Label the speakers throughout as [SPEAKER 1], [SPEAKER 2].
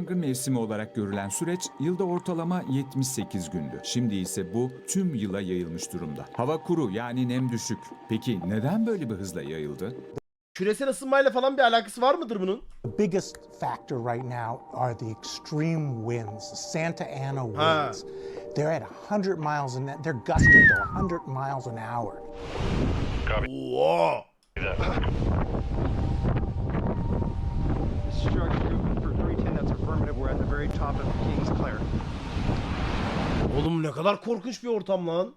[SPEAKER 1] yangın mevsimi olarak görülen süreç yılda ortalama 78 gündü. Şimdi ise bu tüm yıla yayılmış durumda. Hava kuru, yani nem düşük. Peki neden böyle bir hızla yayıldı?
[SPEAKER 2] Küresel ısınmayla falan bir alakası var mıdır bunun?
[SPEAKER 3] The biggest factor right now are the extreme winds, the Santa Ana
[SPEAKER 2] Ha.
[SPEAKER 3] winds. They're at 100 miles an hour. They're gusting to 100 miles an hour.
[SPEAKER 2] Oo.
[SPEAKER 4] Structure for 310, that's affirmative. We're at the very top of Kings Clear.
[SPEAKER 2] Oğlum ne kadar korkunç bir ortam lan.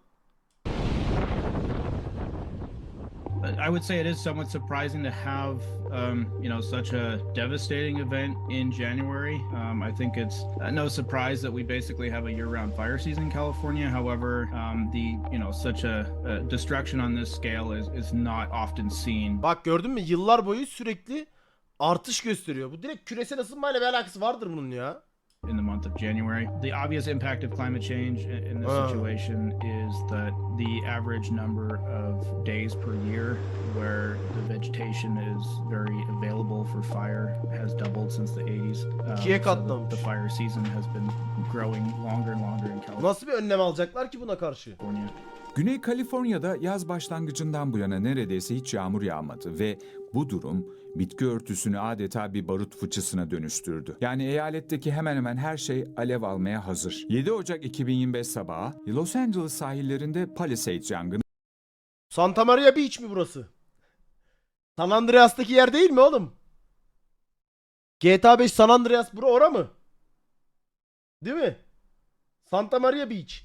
[SPEAKER 5] I would say it is somewhat surprising to have, such a devastating event in January. I think it's no surprise that we basically have a year-round fire season in California. However, such a destruction on this scale is not often seen.
[SPEAKER 2] Bak gördün mü? Yıllar boyu sürekli artış gösteriyor. Bu direkt küresel ısınmayla bir alakası vardır bunun ya.
[SPEAKER 5] In the month of January. The obvious impact of climate change in this situation is that the average number of days per year where the vegetation is very available for fire has doubled since the 80s.
[SPEAKER 2] İkiye katlamış.
[SPEAKER 5] The fire season has been growing longer and longer in California.
[SPEAKER 2] Nasıl bir önlem alacaklar ki buna karşı?
[SPEAKER 1] Güney Kaliforniya'da yaz başlangıcından bu yana neredeyse hiç yağmur yağmadı ve bu durum bitki örtüsünü adeta bir barut fıçısına dönüştürdü. Yani eyaletteki hemen hemen her şey alev almaya hazır. 7 Ocak 2025 sabahı Los Angeles sahillerinde Palisades yangını
[SPEAKER 2] Santa Maria Beach mi burası? San Andreas'taki yer değil mi oğlum? GTA 5 San Andreas bura ora mı? Değil mi? Santa Maria Beach.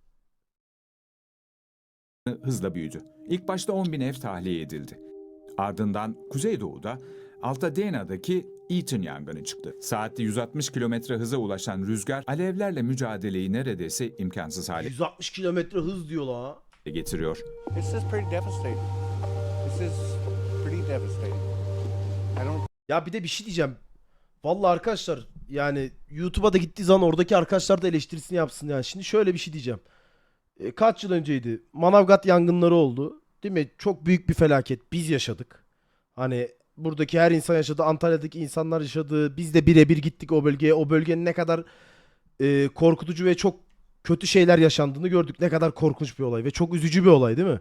[SPEAKER 1] hızla büyüdü. İlk başta 10.000 ev tahliye edildi. Ardından Kuzeydoğu'da Altadena'daki Eaton yangını çıktı. Saatte 160 kilometre hıza ulaşan rüzgar alevlerle mücadeleyi neredeyse imkansız hale
[SPEAKER 2] 160 kilometre hız diyor la.
[SPEAKER 1] getiriyor.
[SPEAKER 6] This is pretty devastating. This is pretty devastating. I don't.
[SPEAKER 2] Ya bir de bir şey diyeceğim. Vallahi arkadaşlar yani YouTube'a da gittiği zaman oradaki arkadaşlar da eleştirisini yapsın yani. Şimdi şöyle bir şey diyeceğim. Kaç yıl önceydi? Manavgat yangınları oldu. Değil mi? Çok büyük bir felaket. Biz yaşadık. Hani buradaki her insan yaşadı. Antalya'daki insanlar yaşadı. Biz de birebir gittik o bölgeye. O bölgenin ne kadar korkutucu ve çok kötü şeyler yaşandığını gördük. Ne kadar korkunç bir olay ve çok üzücü bir olay değil mi?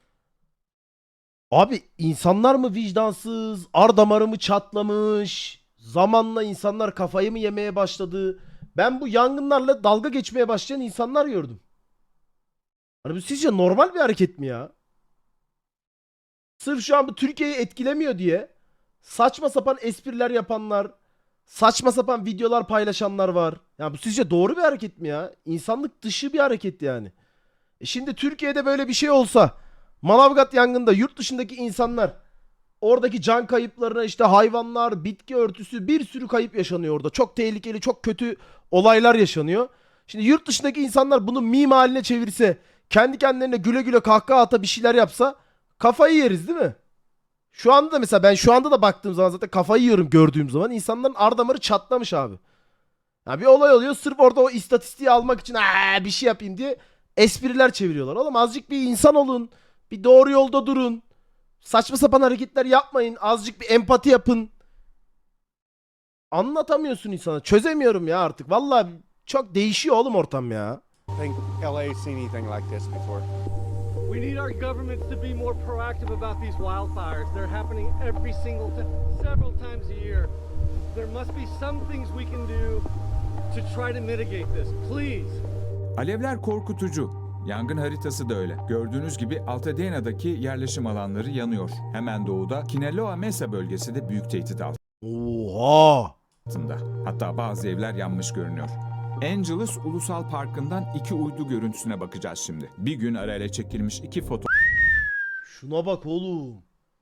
[SPEAKER 2] Abi insanlar mı vicdansız? Ar damarı mı çatlamış? Zamanla insanlar kafayı mı yemeye başladı? Ben bu yangınlarla dalga geçmeye başlayan insanlar gördüm. Hani bu sizce normal bir hareket mi ya? Sırf şu an bu Türkiye'yi etkilemiyor diye saçma sapan espriler yapanlar, saçma sapan videolar paylaşanlar var. Ya bu sizce doğru bir hareket mi ya? İnsanlık dışı bir hareket yani. Şimdi Türkiye'de böyle bir şey olsa, Manavgat yangında yurt dışındaki insanlar oradaki can kayıplarına işte hayvanlar, bitki örtüsü bir sürü kayıp yaşanıyor orada. Çok tehlikeli, çok kötü olaylar yaşanıyor. Şimdi yurt dışındaki insanlar bunu meme haline çevirse, kendi kendilerine güle güle kahkaha ata bir şeyler yapsa kafayı yeriz değil mi? Şu anda da mesela ben şu anda da baktığım zaman zaten kafayı yiyorum gördüğüm zaman insanların ar damarı çatlamış abi. Ya bir olay oluyor sırf orada o istatistiği almak için bir şey yapayım diye espriler çeviriyorlar. Oğlum azıcık bir insan olun. Bir doğru yolda durun. Saçma sapan hareketler yapmayın. Azıcık bir empati yapın. Anlatamıyorsun insana. Çözemiyorum ya artık. Vallahi çok değişiyor oğlum ortam ya.
[SPEAKER 6] think LA's seen anything like this before.
[SPEAKER 7] We need our governments to be more proactive about these wildfires. They're happening every single time, several times a year. There must be some things we can do to try to mitigate this. Please.
[SPEAKER 1] Alevler korkutucu. Yangın haritası da öyle. Gördüğünüz gibi Altadena'daki yerleşim alanları yanıyor. Hemen doğuda Kinaloa Mesa bölgesi de büyük tehdit
[SPEAKER 2] Oha!
[SPEAKER 1] altında. Hatta bazı evler yanmış görünüyor. Angeles Ulusal Parkı'ndan 2 uydu görüntüsüne bakacağız şimdi. Bir gün arayla çekilmiş 2
[SPEAKER 2] Şuna bak oğlum.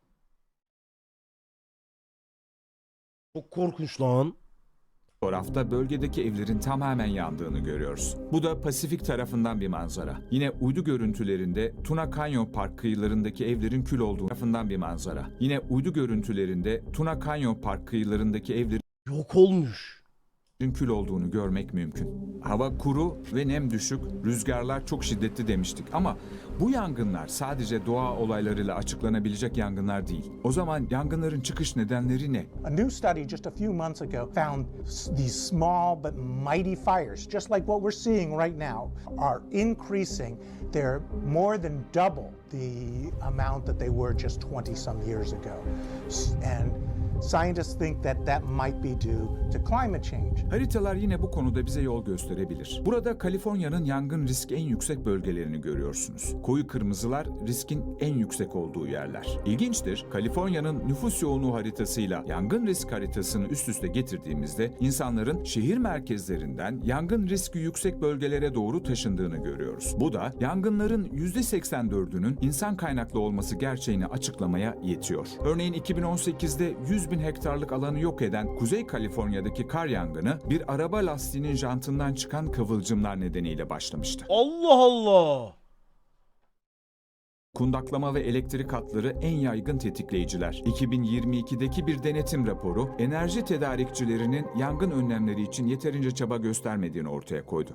[SPEAKER 2] Çok korkunç lan.
[SPEAKER 1] fotoğrafta bölgedeki evlerin tamamen yandığını görüyoruz. Bu da Pasifik tarafından bir manzara. Yine uydu görüntülerinde Tuna Canyon Park kıyılarındaki evlerin kül olduğu tarafından bir manzara. Yine uydu görüntülerinde Tuna Canyon Park kıyılarındaki evlerin
[SPEAKER 2] Yok olmuş.
[SPEAKER 1] kül olduğunu görmek mümkün. Hava kuru ve nem düşük, rüzgarlar çok şiddetli demiştik ama bu yangınlar sadece doğa olaylarıyla açıklanabilecek yangınlar değil. O zaman yangınların çıkış nedenleri ne?
[SPEAKER 3] A new study just a few months ago found these small but mighty fires, just like what we're seeing right now, are increasing. They're more than double the amount that they were just 20 some years ago. And scientists think that that might be due to climate change.
[SPEAKER 1] Haritalar yine bu konuda bize yol gösterebilir. Burada Kaliforniya'nın yangın riski en yüksek bölgelerini görüyorsunuz. Koyu kırmızılar riskin en yüksek olduğu yerler. İlginçtir, Kaliforniya'nın nüfus yoğunluğu haritasıyla yangın risk haritasını üst üste getirdiğimizde insanların şehir merkezlerinden yangın riski yüksek bölgelere doğru taşındığını görüyoruz. Bu da yangınların %84'ünün insan kaynaklı olması gerçeğini açıklamaya yetiyor. Örneğin 2018'de 100.000 hektarlık alanı yok eden Kuzey Kaliforniya'daki kar yangını bir araba lastiğinin jantından çıkan kıvılcımlar nedeniyle başlamıştı.
[SPEAKER 2] Allah Allah.
[SPEAKER 1] Kundaklama ve elektrik hatları en yaygın tetikleyiciler. 2022'deki bir denetim raporu, enerji tedarikçilerinin yangın önlemleri için yeterince çaba göstermediğini ortaya koydu.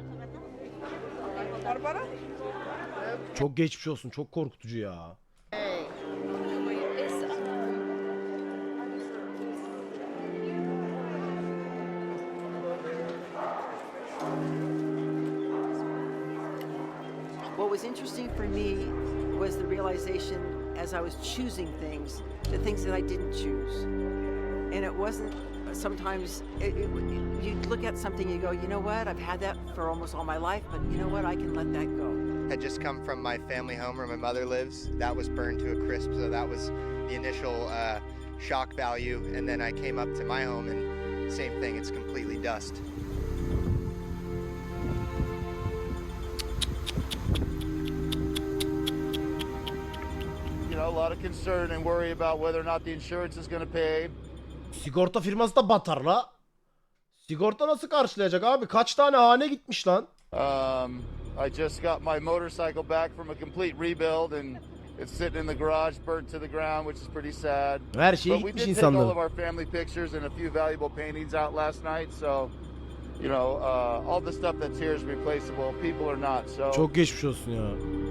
[SPEAKER 2] Çok geçmiş olsun. Çok korkutucu ya.
[SPEAKER 8] What was interesting for me was the realization as I was choosing things, the things that I didn't choose. And it wasn't sometimes, you look at something and you go, you know what, I've had that for almost all my life, but you know what, I can let that go.
[SPEAKER 9] Had just come from my family home where my mother lives. That was burned to a crisp, so that was the initial shock value. And then I came up to my home and same thing, it's completely dust.
[SPEAKER 10] You know, a lot of concern and worry about whether or not the insurance is going to pay.
[SPEAKER 2] Sigorta firması da batar la. Sigorta nasıl karşılayacak abi? Kaç tane hane gitmiş lan?
[SPEAKER 10] I just got my motorcycle back from a complete rebuild and it's sitting in the garage burnt to the ground, which is pretty sad.
[SPEAKER 2] Her şeye
[SPEAKER 10] But we
[SPEAKER 2] gitmiş
[SPEAKER 10] did take all
[SPEAKER 2] insanların.
[SPEAKER 10] of our family pictures and a few valuable paintings out last night, so you know, all the stuff that's here is replaceable. People are not. So
[SPEAKER 2] Çok geçmiş olsun ya.